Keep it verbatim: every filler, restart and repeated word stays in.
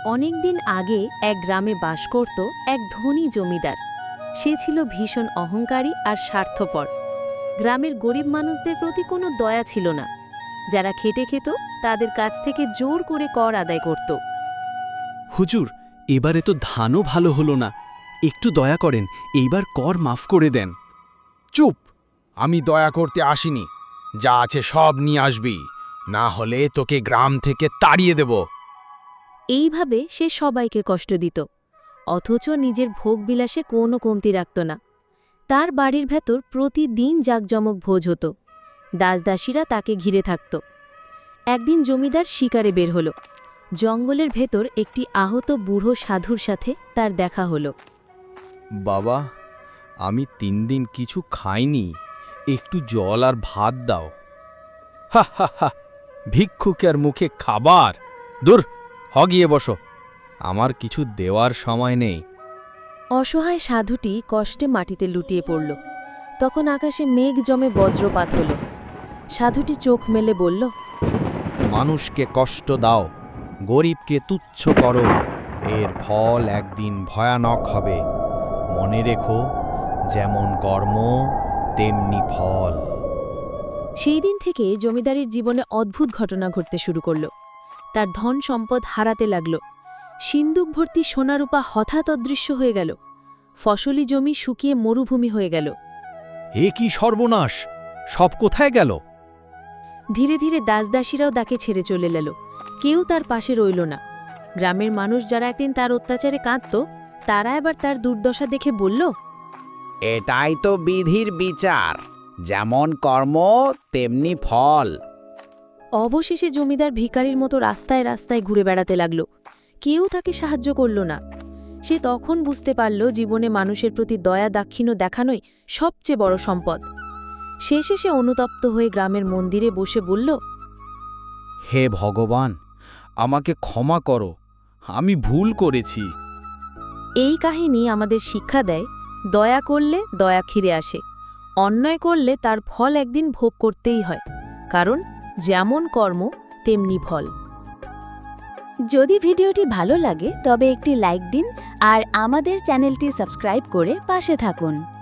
অনেক দিন আগে এক গ্রামে বাস করত এক ধনী জমিদার। সে ছিল ভীষণ অহংকারী আর স্বার্থপর। গ্রামের গরিব মানুষদের প্রতি কোনো দয়া ছিল না। যারা খেটে খেত তাদের কাছ থেকে জোর করে কর আদায় করত। হুজুর, এবারে তো ধানও ভালো হলো না, একটু দয়া করেন, এইবার কর মাফ করে দেন। চুপ! আমি দয়া করতে আসিনি। যা আছে সব নিয়ে আসবি, না হলে তোকে গ্রাম থেকে তাড়িয়ে দেব। এইভাবে সে সবাইকে কষ্ট দিত, অথচ নিজের ভোগবিলাসে কোনো কমতি রাখত না। তার বাড়ির ভেতর প্রতিদিন জাঁকজমক ভোজ হতো। দাসদাসীরা তাকে ঘিরে থাকত। একদিন জমিদার শিকারে বের হল। জঙ্গলের ভেতর একটি আহত বুড়ো সাধুর সাথে তার দেখা হলো। বাবা, আমি তিন দিন কিছু খাইনি, একটু জল আর ভাত দাও। হা হা হা! ভিক্ষুকের মুখে খাবার? দূর, হ গিয়ে বসো। আমার কিছু দেওয়ার সময় নেই। অসহায় সাধুটি কষ্টে মাটিতে লুটিয়ে পড়ল। তখন আকাশে মেঘ জমে বজ্রপাত হল। সাধুটি চোখ মেলে বলল, মানুষকে কষ্ট দাও, গরিবকে তুচ্ছ করো, এর ফল একদিন ভয়ানক হবে। মনে রেখো, যেমন কর্ম তেমনি ফল। সেই দিন থেকে জমিদারের জীবনে অদ্ভুত ঘটনা ঘটতে শুরু করল। তার ধন সম্পদ হারাতে লাগল। সিন্দুক ভর্তি সোনারূপা হঠাৎ অদৃশ্য হয়ে গেল। ফসলি জমি শুকিয়ে মরুভূমি হয়ে গেল। এ কি সর্বনাশ! সব কোথায় গেল? ধীরে ধীরে দাসদাসীরাও তাকে ছেড়ে চলে গেল। কেউ তার পাশে রইল না। গ্রামের মানুষ যারা একদিন তার অত্যাচারে কাঁদত, তারা এবার তার দুর্দশা দেখে বলল, এটাই তো বিধির বিচার, যেমন কর্ম তেমনি ফল। অবশেষে জমিদার ভিখারির মতো রাস্তায় রাস্তায় ঘুরে বেড়াতে লাগল। কেউ তাকে সাহায্য করল না। সে তখন বুঝতে পারল জীবনে মানুষের প্রতি দয়া দাক্ষিণ্য দেখানোই সবচেয়ে বড় সম্পদ। শেষে সে অনুতপ্ত হয়ে গ্রামের মন্দিরে বসে বলল, হে ভগবান, আমাকে ক্ষমা করো, আমি ভুল করেছি। এই কাহিনী আমাদের শিক্ষা দেয়, দয়া করলে দয়া ফিরে আসে, অন্যায় করলে তার ফল একদিন ভোগ করতেই হয়, কারণ যেমন কর্ম তেমনি ফল। যদি ভিডিওটি ভালো লাগে তবে একটি লাইক দিন আর আমাদের চ্যানেলটি সাবস্ক্রাইব করে পাশে থাকুন।